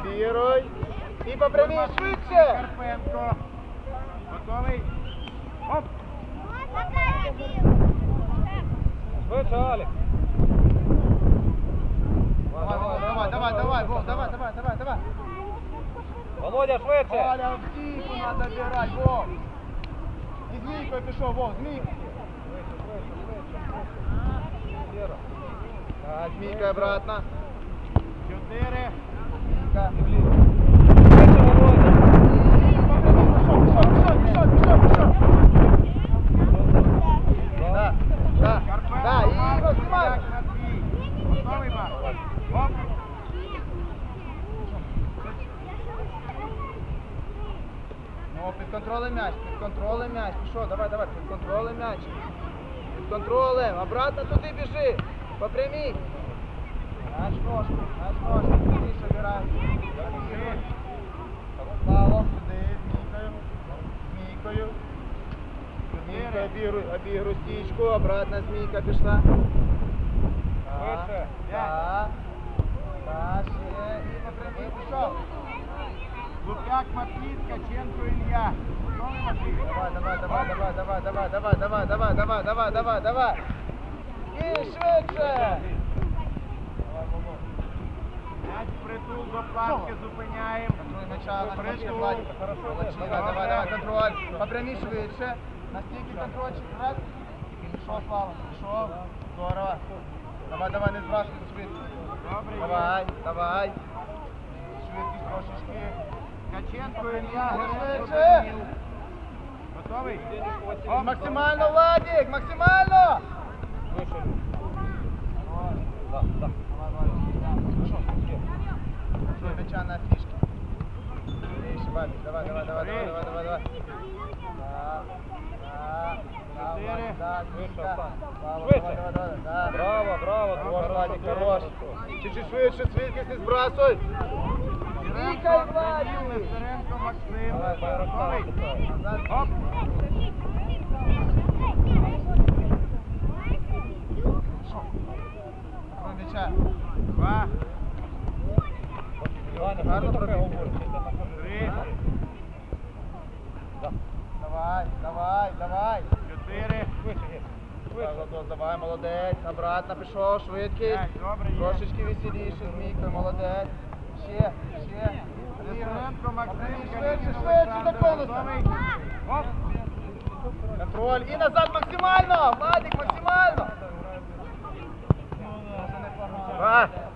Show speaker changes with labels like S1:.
S1: Лавіруй. І по прямій швидше.
S2: Карпенко. Готовий? Оп!
S3: Швидше, Алік.
S1: Давай, Вов, давай.
S3: Володя, швидше.
S1: Валя, в стійку надо бігати, Вов. І змійкою пішов, Вов, змійку. Так, змійка обратно.
S2: 4.
S1: Змійка.
S3: Швидше, Володя.
S1: Пішов. Да, і розсимай.
S2: Готовий, Марк? Оп!
S1: Ну, під контролем м'яч, пішов, давай, під контролем м'яч. Під контролем, обратно туди біжи, по прямій. Мяч ножку, більше грай. Павло, сюди, змійкою. Обігруй стічку, обратно змійка пішла.
S3: Швидше.
S1: Так, ще, і по прямій пішов.
S2: Луп'як, Матвій, Ткаченко, Ілля. Готовий, Матвій?
S1: Давай. І швидше.
S2: М'яч притул до планки, зупиняємо.
S1: Давай, контроль. По прямій швидше. На стійки контрольчик. Раз. Пішов, Слава. Пішов. Здорово. Давай, не збрасуй швидкість.
S2: Добре.
S1: Давай. Швидкість трошечки.
S2: Ткаченко, Ілля, Геренко,
S1: Швидше.
S2: Данил. Готовий?
S1: Максимально, Владик, максимально.
S3: Вище.
S1: Контроль мяча на фишке. Давай.
S3: Браво,
S1: Владик, хорош. Чуть-чуть швидше, швидкість не збрасуй. Вікай,
S2: Данил,
S1: Владик.
S2: Нестеренко, Максим.
S1: Давай,
S2: Готовий? Оп!
S1: Контроль мяча.
S2: 2.
S1: Гарно пробіг.
S2: 3.
S1: Давай.
S2: 4.
S1: Давай, молодець. Обратно пішов, швидкість.
S2: 5. Добре, є.
S1: Трошечки веселіше, змійкою, молодець. Ще.
S2: Нестеренко, Максим,
S1: Швидше,
S2: Олександр.
S1: до конуса.
S2: Готовий? Оп!
S1: Контроль. І назад максимально. Владик, максимально.